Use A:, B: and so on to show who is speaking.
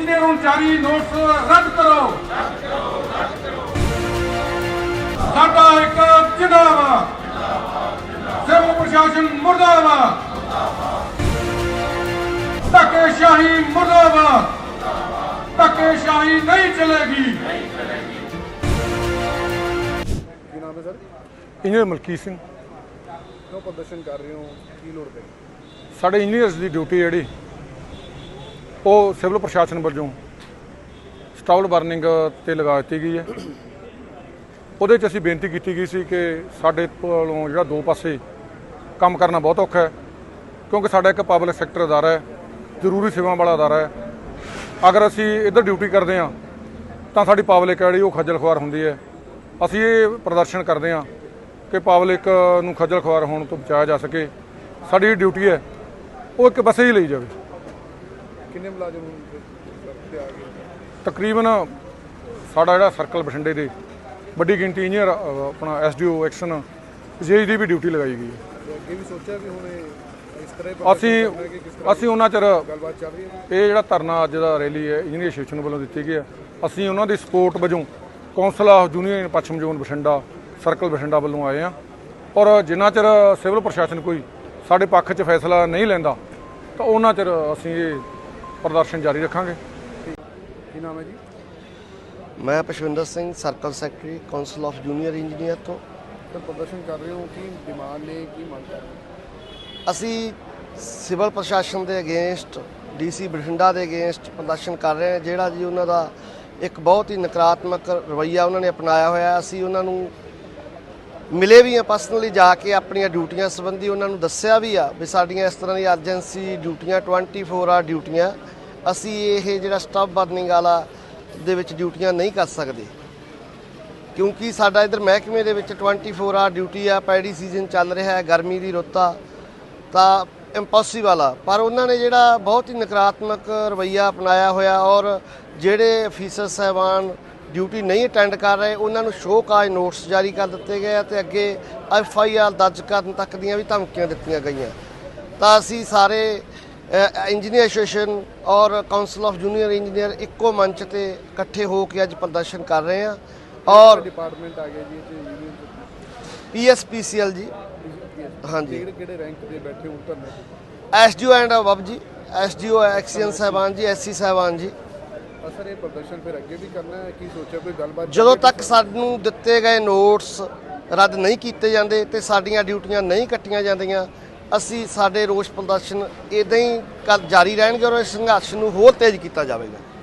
A: Engineer ਨੂੰ ਜਾਰੀ notice ਰੱਦ ਕਰੋ। ਸਾਡਾ ਇੱਕ ਜਿੰਦਾਬਾਦ, ਸਿਵਲ ਪ੍ਰਸ਼ਾਸਨ ਮੁਰਦਾਬਾਦ, ਧੱਕੇਸ਼ਾਹੀ ਮੁਰਦਾਬਾਦ, ਧੱਕੇਸ਼ਾਹੀ ਨਹੀਂ ਚਲੇਗੀ।
B: ਕੀ ਨਾਮ ਹੈ ਸਰ?
C: ਇੰਜੀਨੀਅਰ ਮਲਕੀਤ ਸਿੰਘ।
B: ਕਿਉਂ ਪ੍ਰਦਰਸ਼ਨ ਕਰ ਰਹੇ ਹੋ, ਕੀ ਲੋੜ ਪਈ?
C: ਸਾਡੇ ਇੰਜੀਨੀਅਰਸ ਦੀ ਡਿਊਟੀ ਜਿਹੜੀ ਉਹ ਸਿਵਲ ਪ੍ਰਸ਼ਾਸਨ ਵੱਲੋਂ ਸਟਾਲ ਬਰਨਿੰਗ ਤੇ ਲਗਾ ਦਿੱਤੀ ਗਈ ਹੈ। ਉਹਦੇ 'ਚ ਅਸੀਂ ਬੇਨਤੀ ਕੀਤੀ ਗਈ ਸੀ ਕਿ ਸਾਡੇ ਕੋਲੋਂ ਜਿਹੜਾ ਦੋ ਪਾਸੇ ਕੰਮ ਕਰਨਾ ਬਹੁਤ ਔਖਾ ਹੈ, ਕਿਉਂਕਿ ਸਾਡਾ ਇੱਕ ਪਬਲਿਕ ਸੈਕਟਰ ਅਦਾਰਾ ਹੈ, ਜ਼ਰੂਰੀ ਸੇਵਾਵਾਂ ਵਾਲਾ ਅਦਾਰਾ ਹੈ। ਅਗਰ ਅਸੀਂ ਇੱਧਰ ਡਿਊਟੀ ਕਰਦੇ ਹਾਂ ਤਾਂ ਸਾਡੀ ਪਬਲਿਕ ਜਿਹੜੀ ਉਹ ਖੱਜਲ ਖੁਆਰ ਹੁੰਦੀ ਹੈ। ਅਸੀਂ ਇਹ ਪ੍ਰਦਰਸ਼ਨ ਕਰਦੇ ਹਾਂ ਕਿ ਪਬਲਿਕ ਨੂੰ ਖੱਜਲ ਖੁਆਰ ਹੋਣ ਤੋਂ ਬਚਾਇਆ ਜਾ ਸਕੇ। ਸਾਡੀ ਜਿਹੜੀ ਡਿਊਟੀ ਹੈ ਉਹ ਇੱਕ ਬੱਸੇ ਹੀ ਲਈ ਜਾਵੇ।
B: ਕਿੰਨੇ ਮੁਲਾਜ਼ਮ ਤੇ ਆ ਗਏ?
C: ਤਕਰੀਬਨ ਸਾਡਾ ਜਿਹੜਾ ਸਰਕਲ ਬਠਿੰਡੇ ਦੇ ਵੱਡੀ ਗਿਣਤੀ ਇੰਜੀਨੀਅਰ ਆਪਣਾ ਐਸਡੀਓ ਐਕਸ਼ਨ ਜੇਈ ਦੀ ਵੀ ਡਿਊਟੀ ਲਗਾਈ ਗਈ ਹੈ।
B: ਤੇ ਅੱਗੇ ਵੀ ਸੋਚਿਆ ਵੀ ਹੁਣ ਇਸ ਤਰ੍ਹਾਂ
C: ਅਸੀਂ ਉਹਨਾਂ ਚਿਰ
B: ਗੱਲਬਾਤ ਚੱਲ ਰਹੀ ਹੈ।
C: ਇਹ ਜਿਹੜਾ ਧਰਨਾ ਅੱਜ ਦਾ ਰੈਲੀ ਹੈ ਇੰਜੀਨੀਅਰ ਐਸੋਸੀਏਸ਼ਨ ਵੱਲੋਂ ਦਿੱਤੀ ਗਈ ਹੈ। ਅਸੀਂ ਉਹਨਾਂ ਦੀ ਸਪੋਰਟ ਵਜੋਂ ਕੌਂਸਲ ਆਫ ਯੂਨੀਅਨ ਪੱਛਮ ਜ਼ੋਨ ਬਠਿੰਡਾ ਸਰਕਲ ਬਠਿੰਡਾ ਵੱਲੋਂ ਆਏ ਹਾਂ। ਔਰ ਜਿੰਨਾ ਚਿਰ ਸਿਵਲ ਪ੍ਰਸ਼ਾਸਨ ਕੋਈ ਸਾਡੇ ਪੱਖ 'ਚ ਫੈਸਲਾ ਨਹੀਂ ਲੈਂਦਾ ਤਾਂ ਉਹਨਾਂ ਚਿਰ ਅਸੀਂ ਇਹ ਪ੍ਰਦਰਸ਼ਨ ਜਾਰੀ ਰੱਖਾਂਗੇ।
B: ਕੀ ਨਾਮ ਹੈ ਜੀ?
D: ਮੈਂ Pashwinder Singh, circle secretary council of junior engineer ਤੋਂ।
B: ਸਰ ਪ੍ਰਦਰਸ਼ਨ ਕਰ ਰਹੇ ਹੋ, ਕੀ ਡਿਮਾਂਡ ਨੇ, ਕੀ ਮੰਗ ਕਰ ਰਹੇ ਹੋ?
D: ਅਸੀਂ ਸਿਵਲ ਪ੍ਰਸ਼ਾਸਨ ਦੇ ਅਗੇਂਸਟ ਡੀਸੀ ਬਠਿੰਡਾ ਦੇ ਅਗੇਂਸਟ ਪ੍ਰਦਰਸ਼ਨ ਕਰ ਰਹੇ ਹਾਂ। ਜਿਹੜਾ ਜੀ ਉਹਨਾਂ ਦਾ ਇੱਕ ਬਹੁਤ ਹੀ ਨਕਾਰਾਤਮਕ ਰਵੱਈਆ ਉਹਨਾਂ ਨੇ ਅਪਣਾਇਆ ਹੋਇਆ। ਅਸੀਂ ਉਹਨਾਂ ਨੂੰ ਮਿਲੇ ਵੀ ਆ, ਪਰਸਨਲੀ ਜਾ ਕੇ ਆਪਣੀਆਂ ਡਿਊਟੀਆਂ ਸੰਬੰਧੀ ਉਹਨਾਂ ਨੂੰ ਦੱਸਿਆ ਵੀ ਆ ਵੀ ਸਾਡੀਆਂ ਇਸ ਤਰ੍ਹਾਂ ਦੀ ਐਮਰਜੈਂਸੀ ਡਿਊਟੀਆਂ 24 ਆਰ ਡਿਊਟੀਆਂ, ਅਸੀਂ ਇਹ ਜਿਹੜਾ ਸਟਾਫ ਬਰਨਿੰਗ ਵਾਲਾ ਦੇ ਵਿੱਚ ਡਿਊਟੀਆਂ ਨਹੀਂ ਕਰ ਸਕਦੇ, ਕਿਉਂਕਿ ਸਾਡਾ ਇੱਧਰ ਮਹਿਕਮੇ ਦੇ ਵਿੱਚ 24 ਆਰ ਡਿਊਟੀ ਆ। ਪੈਡੀ ਸੀਜ਼ਨ ਚੱਲ ਰਿਹਾ ਹੈ, ਗਰਮੀ ਦੀ ਰੁੱਤ ਆ, ਤਾਂ ਇੰਪੋਸੀਬਲ ਆ। ਪਰ ਉਹਨਾਂ ਨੇ ਜਿਹੜਾ ਬਹੁਤ ਹੀ ਨਕਾਰਾਤਮਕ ਰਵੱਈਆ ਅਪਣਾਇਆ ਹੋਇਆ ਔਰ ਜਿਹੜੇ ਅਫੀਸਰ ਸਾਹਿਬਾਨ ਡਿਊਟੀ ਨਹੀਂ ਅਟੈਂਡ ਕਰ ਰਹੇ ਉਹਨਾਂ ਨੂੰ ਸ਼ੋਅ ਕਾਜ਼ ਨੋਟਿਸ ਜਾਰੀ ਕਰ ਦਿੱਤੇ ਗਏ ਅਤੇ ਅੱਗੇ FIR ਦਰਜ ਕਰਨ ਤੱਕ ਦੀਆਂ ਵੀ ਧਮਕੀਆਂ ਦਿੱਤੀਆਂ ਗਈਆਂ। ਤਾਂ ਅਸੀਂ ਸਾਰੇ ਇੰਜੀਨੀਅਰ ਐਸੋਸੀਏਸ਼ਨ ਔਰ ਕਾਉਂਸਲ ਆਫ ਜੂਨੀਅਰ ਇੰਜੀਨੀਅਰ ਇੱਕੋ ਮੰਚ ਤੇ ਇਕੱਠੇ ਹੋ ਕੇ ਅੱਜ ਪ੍ਰਦਰਸ਼ਨ ਕਰ ਰਹੇ ਹਾਂ। ਔਰ
B: ਡਿਪਾਰਟਮੈਂਟ ਆ ਗਿਆ ਜੀ ਯੂਨੀਅਨ
D: PSPCL ਜੀ, ਹਾਂਜੀ,
B: ਕਿਹੜੇ ਰੈਂਕ ਤੇ ਬੈਠੇ ਹੋ ਧਰਨੇ ਤੇ?
D: SDO ਐਂਡ ਅਬਵ ਜੀ, SDO ਐਕਸੀਅਨ ਸਾਹਿਬਾਨ ਜੀ, SC ਸਾਹਿਬਾਨ ਜੀ।
B: ਸਰ ਇਹ ਪ੍ਰਦਰਸ਼ਨ ਫਿਰ ਅੱਗੇ ਵੀ ਕਰਨਾ ਹੈ, ਕੀ ਸੋਚਿਆ ਕੋਈ ਗੱਲਬਾਤ?
D: ਜਦੋਂ ਤੱਕ ਸਾਨੂੰ ਦਿੱਤੇ ਗਏ ਨੋਟਸ ਰੱਦ ਨਹੀਂ ਕੀਤੇ ਜਾਂਦੇ ਤੇ ਸਾਡੀਆਂ ਡਿਊਟੀਆਂ ਨਹੀਂ ਕੱਟੀਆਂ ਜਾਂਦੀਆਂ, ਅਸੀਂ ਸਾਡੇ ਰੋਸ ਪ੍ਰਦਰਸ਼ਨ ਇੱਦਾਂ ਹੀ ਜਾਰੀ ਰਹਿਣਗੇ ਔਰ ਇਸ ਸੰਘਰਸ਼ ਨੂੰ ਹੋਰ ਤੇਜ਼ ਕੀਤਾ ਜਾਵੇਗਾ।